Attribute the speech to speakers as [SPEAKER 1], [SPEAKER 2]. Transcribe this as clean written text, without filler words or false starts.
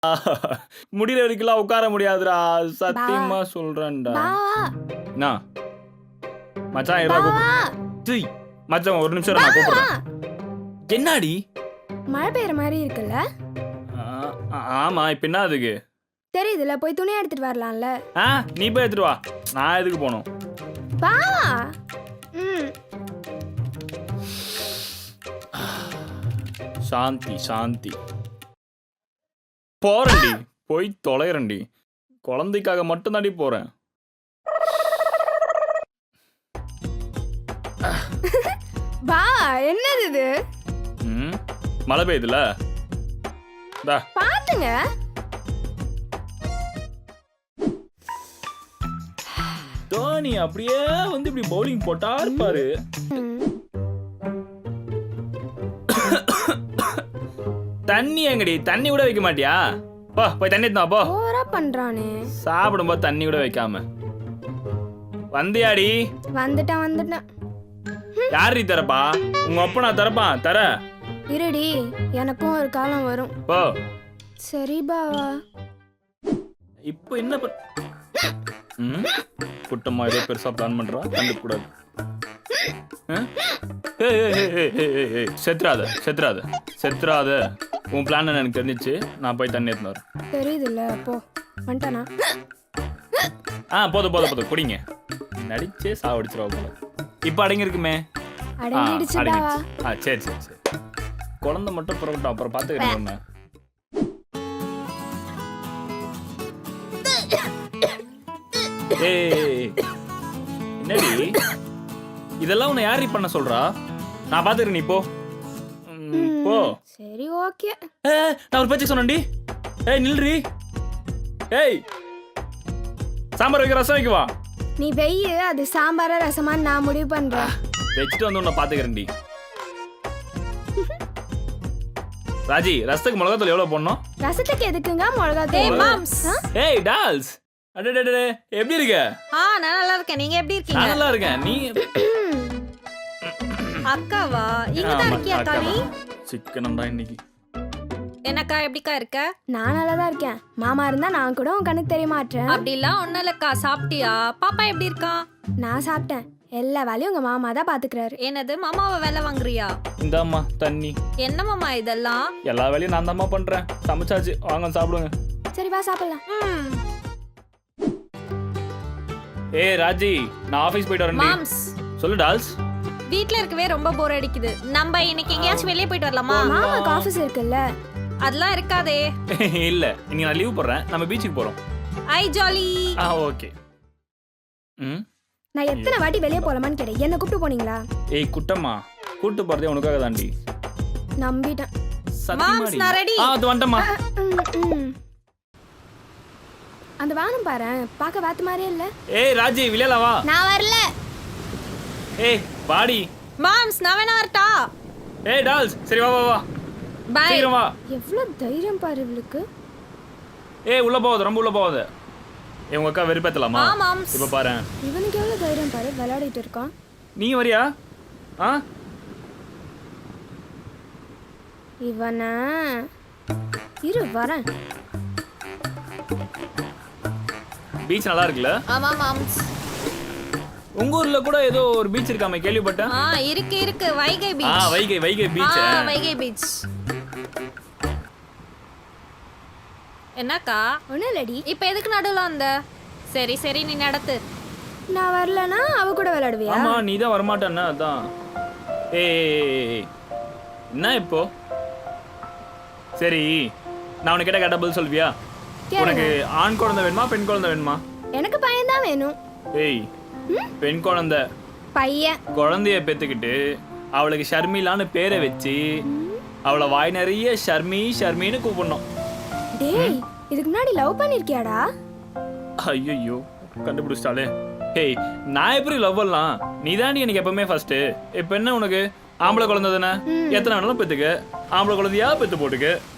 [SPEAKER 1] முடியற வரைக்கும் உட்கார முடியாதுடா, சத்தியமா சொல்றேன்டா. என்ன மச்சான் மச்சான் ஒரு நிமிஷம் நான் கூப்பிடுறேன். என்னடி
[SPEAKER 2] மழை பெய்யற மாதிரி இருக்குல்ல?
[SPEAKER 1] ஆமா, இப்ப என்ன அதுக்கு
[SPEAKER 2] தெரியுதுல, போய் துணி எடுத்துட்டு வரலாம்ல.
[SPEAKER 1] நீ போய் எடுத்துட்டு வா, நான் எதுக்கு போகணும்?
[SPEAKER 2] வா.
[SPEAKER 1] சாந்தி சாந்தி போறேன்டி, போய் தொலைறேன்டி. குழந்தைக்காக மட்டும் தாண்டி போறேன்.
[SPEAKER 2] வா. என்னது இது?
[SPEAKER 1] மழை பெய்யுதுல,
[SPEAKER 2] பாத்துங்க.
[SPEAKER 1] தோனி அப்படியே வந்து இப்படி பவுலிங் போட்டா இருப்பாரு. தண்ணி எங்கடி? தண்ணி கூட வைக்க மாட்டியா? போ போய் தண்ணி எடுத்து போ.
[SPEAKER 2] ஓவரா பண்றானே.
[SPEAKER 1] சாப்பிடும்போது தண்ணி கூட வைக்காம வந்தியாடி?
[SPEAKER 2] வந்துட்டேன்.
[SPEAKER 1] யாரி தரப்பா? உங்க அப்பா நான் தரப்பான் தர.
[SPEAKER 2] இருடி, எனக்கும் ஒரு காலம் வரும்.
[SPEAKER 1] போ.
[SPEAKER 2] சரி பாவா.
[SPEAKER 1] இப்போ என்ன குட்டம்மா ஏதோ பெருசா பிளான் பண்றா, கண்டுக்கூடாது. செத்துறாத. உன் பிளான் எனக்கு தெரிஞ்சிச்சு. நான் போய் தண்ணி எடுத்து வரேன்.
[SPEAKER 2] தெரியுதுல்ல, போ. வந்துட்டானா?
[SPEAKER 1] போதும் குடிங்க. நடிச்சே சாவடிச்சிருவா போல. இப்ப அடங்கி இருக்குமே. சரி. குழந்தை மட்டும் புறப்பட்டோம், அப்புறம் பாத்துக்கிறேன். என்னடி இதெல்லாம் உன்னை யாரி பண்ண சொல்றா? நான் பாத்துக்கிறேன், நீ போ.
[SPEAKER 2] சரி, ஓகே.
[SPEAKER 1] நான் ஒரு பேச்சு சொன்னேன்டி. நில்றி. சாம்பார் வைக்க ரசம் வைக்கவா?
[SPEAKER 2] நீ வெய்யு, அது சாம்பாரா ரசமான்னு நான் முடிவு பண்றேன்.
[SPEAKER 1] வச்சுட்டு வந்து உன்னை பாத்துக்கிறேன்டி. ராஜி, ரசத்துக்கு மிளகாத்தூள் எவ்வளவு போடணும்?
[SPEAKER 2] ரசத்துக்கு எதுக்குங்க மிளகாத்தூள்?
[SPEAKER 1] டால்ஸ் அடடடே, எப்படி இருக்க?
[SPEAKER 3] நான் நல்லா இருக்கேன். நீங்க எப்படி இருக்கீங்க?
[SPEAKER 1] நான் நல்லா இருக்கேன். நீ
[SPEAKER 3] அக்காவா? இங்க தான் இருக்கியா அக்கா? நீ
[SPEAKER 1] சிக்கனம்டா இன்னைக்கு.
[SPEAKER 3] என்னக்கா எப்படிக்கா இருக்க?
[SPEAKER 2] நான் நல்லா தான் இருக்கேன். மாமா இருந்தா நான் கூட உன் கண்ணுக்கு தெரிய மாட்டேன்.
[SPEAKER 3] அப்படிலாம் ஒண்ணும் இல்லக்கா. சாப்பிட்டியா? பாப்பா எப்படி இருக்கா?
[SPEAKER 2] நான் சாப்பிட்டேன். எல்லா வேலையும் உங்க மாமா தான் பாத்துக்கிறாரு.
[SPEAKER 3] என்னது, மாமாவை வேலை வாங்குறியா?
[SPEAKER 1] இந்தாம்மா தண்ணி.
[SPEAKER 3] என்ன மாமா இதெல்லாம்?
[SPEAKER 1] எல்லா வேலையும் நான் தான்மா பண்றேன். சமைச்சாச்சு, வாங்க சாப்பிடுங்க.
[SPEAKER 2] சரி வா சாப்பிடலாம்.
[SPEAKER 1] ராஜி, நான் ஆபீஸ் போயிட்டு வரேன்.
[SPEAKER 3] மாம்ஸ்
[SPEAKER 1] சொல்லு டால்ஸ்.
[SPEAKER 3] வீட்ல இருக்கவே ரொம்ப போர் அடிக்குது. நம்ம இன்னைக்கு எங்கயாச்சும் வெளியே போயிட்டு வரலாமா?
[SPEAKER 2] மாமாக்கு ஆபீஸ் இருக்குல்ல.
[SPEAKER 3] அதெல்லாம் இருக்காதே.
[SPEAKER 1] இல்ல, இன்னைக்கு நான் லீவ் போடுறேன். நம்ம பீச்சுக்கு போறோம்.
[SPEAKER 3] ஐ ஜாலி.
[SPEAKER 1] ஓகே.
[SPEAKER 2] நான் எத்தனை வாட்டி வெளியே போலாமான்னு கேட்டேன். என்ன கூப்பிட்டு போனீங்களா?
[SPEAKER 1] குட்டம்மா, கூட்டு போறதே உனக்காக தாண்டி.
[SPEAKER 2] நம்பிட்டேன்.
[SPEAKER 3] மாம்ஸ், நான் ரெடி.
[SPEAKER 1] அது வந்துட்டமா.
[SPEAKER 2] அந்த வானம் பாரு, பார்க்க வாத்து மாதிரியே இல்ல.
[SPEAKER 1] ராஜி, விளையாட வா.
[SPEAKER 2] நான் வரல.
[SPEAKER 1] பாடி.
[SPEAKER 3] மாம்ஸ், நான் வேணா வரட்டா?
[SPEAKER 1] டால்ஸ், சரி வா.
[SPEAKER 3] பை.
[SPEAKER 1] சீக்கிரம் வா.
[SPEAKER 2] எவ்வளவு தைரியம் பாரு இவளுக்கு.
[SPEAKER 1] உள்ள போகாத, ரொம்ப உள்ள போகாத. உங்க அக்கா வெறுப்பேத்தலாமா?
[SPEAKER 3] மாம்ஸ்,
[SPEAKER 1] இப்ப பாரு.
[SPEAKER 2] இவனுக்கு எவ்வளவு தைரியம் பாரு, விளையாடிட்டு இருக்கான்.
[SPEAKER 1] நீ வரியா?
[SPEAKER 2] இவனா இரு வரேன்.
[SPEAKER 1] பீச் நல்லா இருக்குல்ல?
[SPEAKER 3] ஆமா மாம்ஸ்.
[SPEAKER 1] உங்க ஊர்ல கூட ஏதோ ஒரு பீச் இருக்காமே, கேள்விப்பட்டேன்.
[SPEAKER 3] இருக்கு Vaigai beach.
[SPEAKER 1] Vaigai beach.
[SPEAKER 3] Vaigai beach. என்னக்கா?
[SPEAKER 2] ஒண்ணு இல்லடி.
[SPEAKER 3] இப்ப எதுக்கு நடுவுல வந்த? சரி நீ நடத்து.
[SPEAKER 2] நான் வரலனா அவ கூட விளையாடுவியா?
[SPEAKER 1] ஆமா, நீ தான் வர மாட்டேன்னா அதான். என்ன இப்போ? சரி, நான் உனக்கு கேட்ட பதில் சொல்வியா? உனக்கு ஆண் குழந்தை வேணுமா, பெண் குழந்தை வேணுமா?
[SPEAKER 2] எனக்கு பையன் தான் வேணும்.
[SPEAKER 1] பெண் குழந்தை.
[SPEAKER 2] பையன்
[SPEAKER 1] குழந்தைய பெத்துக்கிட்டு அவளுக்கு ஷர்மிலான்னு பேரை வச்சு அவளை வாய் நிறைய ஷர்மின்னு கூப்பிடணும்.
[SPEAKER 2] டேய், இதுக்கு முன்னாடி லவ் பண்ணிருக்கியாடா?
[SPEAKER 1] ஐயோ, கண்டுபிடிச்சிட்டாலே. நான் எப்படி லவ் பண்ணலாம்? நீ தாண்டி எனக்கு எப்பவுமே ஃபர்ஸ்ட். இப்ப என்ன உனக்கு? ஆம்பளை குழந்தை தானே, எத்தனை வேணாலும் பெத்துக்க. ஆம்பளை குழந்தையா பெத்து போட்டுக்க.